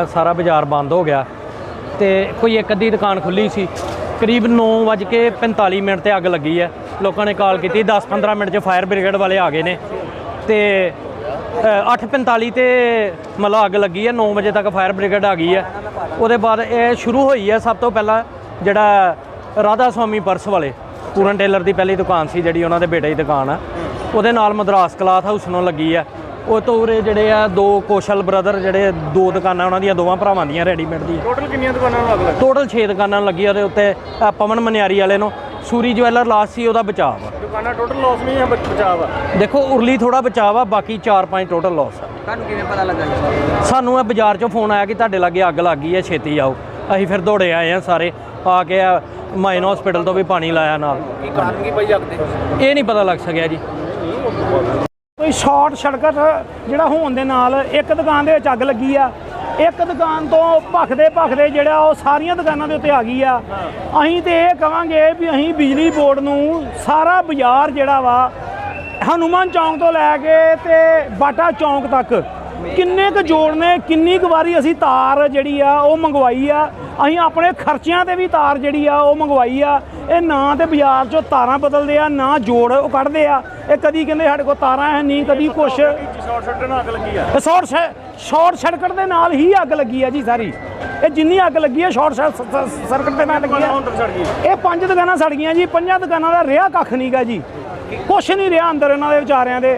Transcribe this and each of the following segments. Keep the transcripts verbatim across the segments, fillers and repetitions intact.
सारा बाज़ार बंद हो गया तो कोई एक अद्धी दुकान खुली सी। करीब नौ बज के पैंताली मिनट से अग लगी है। लोगों ने कॉल की दस पंद्रह मिनट च फायर ब्रिगेड वाले आ गए ने तो अठ पैंताली तो मतलब अग लगी है। नौ बजे तक फायर ब्रिगेड आ गई है। उसके बाद ये शुरू हुई है सब तो पहला जिहड़ा राधा स्वामी पर्स वाले पूरन टेलर की पहली दुकान सी जिहड़ी उन्होंने बेटे की दुकान है। ਉਹਦੇ ਨਾਲ ਮਦਰਾਸ ਕਲਾਥ ਹਾਊਸ ਨੂੰ ਲੱਗੀ ਆ। ਉਹ ਤੋਂ ਉਰੇ ਜਿਹੜੇ ਆ ਦੋ ਕੋਸ਼ਲ ਬ੍ਰਦਰ ਜਿਹੜੇ ਦੋ ਦੁਕਾਨਾਂ ਉਹਨਾਂ ਦੀਆਂ ਦੋਵਾਂ ਭਰਾਵਾਂ ਦੀਆਂ ਰੈਡੀਮੇਡ ਦੀ। ਟੋਟਲ ਕਿੰਨੀਆਂ ਦੁਕਾਨਾਂ ਨੂੰ ਅੱਗ ਲੱਗੀ? ਟੋਟਲ ਛੇ ਦੁਕਾਨਾਂ ਨੂੰ ਲੱਗੀ। ਉਹਦੇ ਉੱਤੇ ਪਵਨ ਮਨਿਆਰੀ ਵਾਲੇ ਨੂੰ ਸੂਰੀ ਜਵੈਲਰ ਲਾਸ ਸੀ ਉਹਦਾ ਬਚਾਅ ਆ। ਦੁਕਾਨਾਂ ਟੋਟਲ ਲਾਸ ਨਹੀਂ ਆ ਬਚਾਅ ਆ? ਦੇਖੋ ਉਰਲੀ ਥੋੜਾ ਬਚਾਅ ਆ, ਬਾਕੀ ਚਾਰ ਪੰਜ ਟੋਟਲ ਲਾਸ ਆ। ਤੁਹਾਨੂੰ ਕਿਵੇਂ ਪਤਾ ਲੱਗਾ? ਸਾਨੂੰ ਇਹ ਬਾਜ਼ਾਰ 'ਚੋਂ ਫੋਨ ਆਇਆ ਕਿ ਤੁਹਾਡੇ ਲਾਗੇ ਅੱਗ ਲੱਗ ਗਈ ਹੈ, ਛੇਤੀ ਆਓ। ਅਸੀਂ ਫਿਰ ਦੌੜੇ ਆਏ ਆ ਸਾਰੇ ਆ ਕੇ ਮਾਈਨ ਹਸਪੀਟਲ ਤੋਂ ਵੀ ਪਾਣੀ ਲਾਇਆ ਨਾਲ। ਕੀ ਕਾਰਨ ਕੀ ਪਈ ਅੱਗ ਦੇ? ਇਹ ਨਹੀਂ ਪਤਾ ਲੱਗ ਸਕਿਆ ਜੀ। ਕੋਈ ਸ਼ਾਰਟ ਸਰਕਟ ਜਿਹੜਾ ਹੋਣ ਦੇ ਨਾਲ ਇੱਕ ਦੁਕਾਨ ਦੇ ਵਿੱਚ ਅੱਗ ਲੱਗੀ ਆ। ਇੱਕ ਦੁਕਾਨ ਤੋਂ ਭਖਦੇ ਭਖਦੇ ਜਿਹੜਾ ਉਹ ਸਾਰੀਆਂ ਦੁਕਾਨਾਂ ਦੇ ਉੱਤੇ ਆ ਗਈ ਆ। ਅਸੀਂ ਤੇ ਇਹ ਕਹਾਂਗੇ ਵੀ ਅਸੀਂ ਬਿਜਲੀ ਬੋਰਡ ਨੂੰ ਸਾਰਾ ਬਾਜ਼ਾਰ ਜਿਹੜਾ ਵਾ ਹਨੂਮਾਨ ਚੌਂਕ ਤੋਂ ਲੈ ਕੇ ਤੇ ਬਾਟਾ ਚੌਂਕ ਤੱਕ ਕਿੰਨੇ ਕੁ ਜੋੜ ਨੇ, ਕਿੰਨੀ ਕੁ ਵਾਰੀ ਅਸੀਂ ਤਾਰ ਜਿਹੜੀ ਆ ਉਹ ਮੰਗਵਾਈ ਆ। ਅਸੀਂ ਆਪਣੇ ਖਰਚਿਆਂ ਤੇ ਵੀ ਤਾਰ ਜਿਹੜੀ ਆ ਉਹ ਮੰਗਵਾਈ ਆ। ਇਹ ਨਾ ਤੇ ਬਾਜ਼ਾਰ 'ਚੋਂ ਤਾਰਾਂ ਬਦਲਦੇ ਆ, ਨਾ ਜੋੜ ਉਹ ਕੱਢਦੇ ਆ। ਇਹ ਕਦੀ ਕਹਿੰਦੇ ਸਾਡੇ ਕੋਲ ਤਾਰਾਂ ਹੈ ਨਹੀਂ, ਕਦੀ ਕੁਛ। ਸ਼ਾਰਟ ਸਰਕਟ ਨਾਲ ਅੱਗ ਲੱਗੀ ਆ? ਸ਼ਾਰਟ ਸ਼ਾਰਟ ਸਰਕਟ ਦੇ ਨਾਲ ਹੀ ਅੱਗ ਲੱਗੀ ਆ ਜੀ ਸਾਰੀ। ਇਹ ਜਿੰਨੀ ਅੱਗ ਲੱਗੀ ਆ ਸ਼ਾਰਟ ਸਰਕਟ ਦੇ ਨਾਲ ਲੱਗੀ ਆ। ਇਹ ਪੰਜ ਦੁਕਾਨਾਂ ਸੜ ਗਈਆਂ ਜੀ। ਪੰਜਾਂ ਦੁਕਾਨਾਂ ਦਾ ਰਿਹਾ ਕੱਖ ਨਹੀਂ ਗਾ ਜੀ, ਕੁਛ ਨਹੀਂ ਰਿਹਾ ਅੰਦਰ ਇਹਨਾਂ ਦੇ ਵਿਚਾਰਿਆਂ ਦੇ।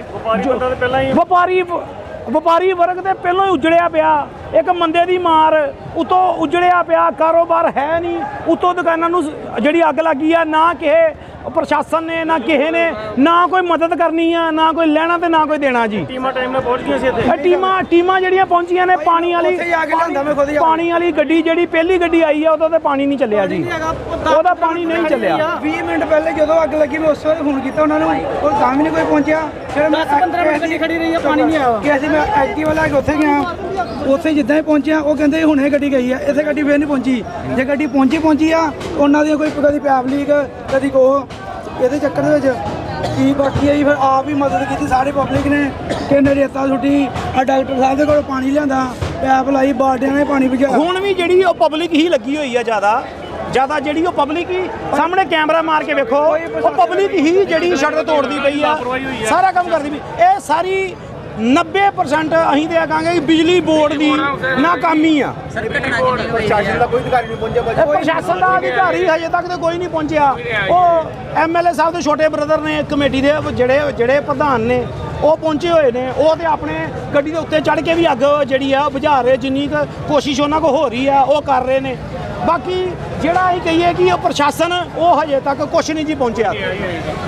ਵਪਾਰੀ ਵਪਾਰੀ ਵਰਗ ਤੇ ਪਹਿਲਾਂ ਹੀ ਉਜੜਿਆ ਪਿਆ। ਇੱਕ ਮੰਦੇ ਦੀ ਮਾਰ ਉਤੋਂ ਉਜੜਿਆ ਪਿਆ, ਕਾਰੋਬਾਰ ਹੈ ਨਹੀਂ। ਉਤੋਂ ਦੁਕਾਨਾਂ ਨੂੰ ਜਿਹੜੀ ਅੱਗ ਲੱਗੀ ਆ, ਨਾ ਕਿਸੇ ਪ੍ਰਸ਼ਾਸਨ ਨੇ ਨਾ ਕਿਸੇ ਨੇ ਨਾ ਕੋਈ ਮਦਦ ਕਰਨੀ ਆ, ਨਾ ਕੋਈ ਲੈਣਾ ਤੇ ਨਾ ਕੋਈ ਦੇਣਾ ਜੀ। ਟੀਮਾਂ ਟਾਈਮ ਨਾਲ ਪਹੁੰਚ ਗਈਆਂ ਸੀ ਇੱਥੇ? ਇਹ ਟੀਮਾਂ ਟੀਮਾਂ ਜਿਹੜੀਆਂ ਪਹੁੰਚੀਆਂ ਨੇ ਪਾਣੀ ਵਾਲੀ ਪਾਣੀ ਵਾਲੀ ਗੱਡੀ ਜਿਹੜੀ ਪਹਿਲੀ ਗੱਡੀ ਆਈ ਆ ਉਹਦਾ ਤੇ ਪਾਣੀ ਨਹੀਂ ਚੱਲਿਆ ਜੀ। ਉਹਦਾ ਪਾਣੀ ਨਹੀਂ ਚੱਲਿਆ। ਵੀਹ ਮਿੰਟ ਪਹਿਲੇ ਜਦੋਂ ਅੱਗ ਲੱਗੀ ਮੈਂ ਉਸ ਵੇਲੇ ਫੋਨ ਕੀਤਾ ਉਹਨਾਂ ਨੂੰ, ਉਹ ਤਾਂ ਵੀ ਨਹੀਂ ਕੋਈ ਪਹੁੰਚਿਆ। ਫਿਰ ਮੈਂ ਪੰਦਰਾਂ ਮਿੰਟ ਗੱਡੀ ਖੜੀ ਰਹੀ ਆ, ਪਾਣੀ ਨਹੀਂ ਆਇਆ ਕਿ ਅਸੀਂ ਮੈਂ ਐਕਟਿਵਾ ਲੈ ਕੇ ਉੱਥੇ ਗਿਆ। ਉੱਥੇ ਜਿੱਦਾਂ ਹੀ ਪਹੁੰਚਿਆ ਉਹ ਕਹਿੰਦੇ ਹੁਣੇ ਗੱਡੀ ਗਈ ਆ, ਇੱਥੇ ਗੱਡੀ ਫੇਰ ਨਹੀਂ ਪਹੁੰਚੀ। ਜੇ ਗੱਡੀ ਪਹੁੰਚੀ ਪਹੁੰਚੀ ਆ ਉਹਨਾਂ ਦੀਆਂ ਕੋਈ ਕਦੀ ਪੈਪ ਲੀਕ ਕਦੀ ਕੋ ਇਹਦੇ ਚੱਕਰ ਦੇ ਵਿੱਚ ਕੀ ਬਾਕੀ ਆਈ। ਫਿਰ ਆਪ ਹੀ ਮਦਦ ਕੀਤੀ ਸਾਰੇ ਪਬਲਿਕ ਨੇ। ਕਿੰਨੇ ਰੇਤਾ ਸੁੱਟੀ, ਆ ਡਾਕਟਰ ਸਾਹਿਬ ਦੇ ਕੋਲ ਪਾਣੀ ਲਿਆਂਦਾ, ਪੈਪ ਲਾਈ, ਬਾਲਟੀਆਂ ਨੇ ਪਾਣੀ ਭਜਾ। ਹੁਣ ਵੀ ਜਿਹੜੀ ਉਹ ਪਬਲਿਕ ਹੀ ਲੱਗੀ ਹੋਈ ਆ ਜ਼ਿਆਦਾ ਜ਼ਿਆਦਾ ਜਿਹੜੀ ਉਹ ਪਬਲਿਕ ਹੀ ਸਾਹਮਣੇ ਕੈਮਰਾ ਮਾਰ ਕੇ ਵੇਖੋ, ਉਹ ਪਬਲਿਕ ਹੀ ਜਿਹੜੀ ਸੜਕ ਤੋੜਦੀ ਪਈ ਆ, ਸਾਰਾ ਕੰਮ ਕਰਦੀ ਪਈ। ਇਹ ਸਾਰੀ ਨੱਬੇ ਪਰਸੈਂਟ ਅਸੀਂ ਤੇ ਕਹਾਂਗੇ ਕਿ ਬਿਜਲੀ ਬੋਰਡ ਦੀ ਨਾਕਾਮੀ ਆ। ਪ੍ਰਸ਼ਾਸਨ ਦਾ ਕੋਈ ਅਧਿਕਾਰੀ ਨਹੀਂ ਪਹੁੰਚਿਆ? ਪ੍ਰਸ਼ਾਸਨ ਦਾ ਅਧਿਕਾਰੀ ਹਜੇ ਤੱਕ ਤੇ ਕੋਈ ਨਹੀਂ ਪਹੁੰਚਿਆ। ਉਹ ਐਮ ਐਲ ਏ ਸਾਹਿਬ ਦੇ ਛੋਟੇ ਬ੍ਰਦਰ ਨੇ, ਕਮੇਟੀ ਦੇ ਜਿਹੜੇ ਜਿਹੜੇ ਪ੍ਰਧਾਨ ਨੇ ਉਹ ਪਹੁੰਚੇ ਹੋਏ ਨੇ। ਉਹ ਤੇ ਆਪਣੇ ਗੱਡੀ ਦੇ ਉੱਤੇ ਚੜ੍ਹ ਕੇ ਵੀ ਅੱਗ ਜਿਹੜੀ ਆ ਬੁਝਾ ਰਹੇ। ਜਿੰਨੀ ਕੁ ਕੋਸ਼ਿਸ਼ ਉਹਨਾਂ ਕੋਲ ਹੋ ਰਹੀ ਆ ਉਹ ਕਰ ਰਹੇ ਨੇ। ਬਾਕੀ ਜਿਹੜਾ ਅਸੀਂ ਕਹੀਏ ਕਿ ਉਹ ਪ੍ਰਸ਼ਾਸਨ ਉਹ ਹਜੇ ਤੱਕ ਕੁਛ ਨਹੀਂ ਜੀ ਪਹੁੰਚਿਆ।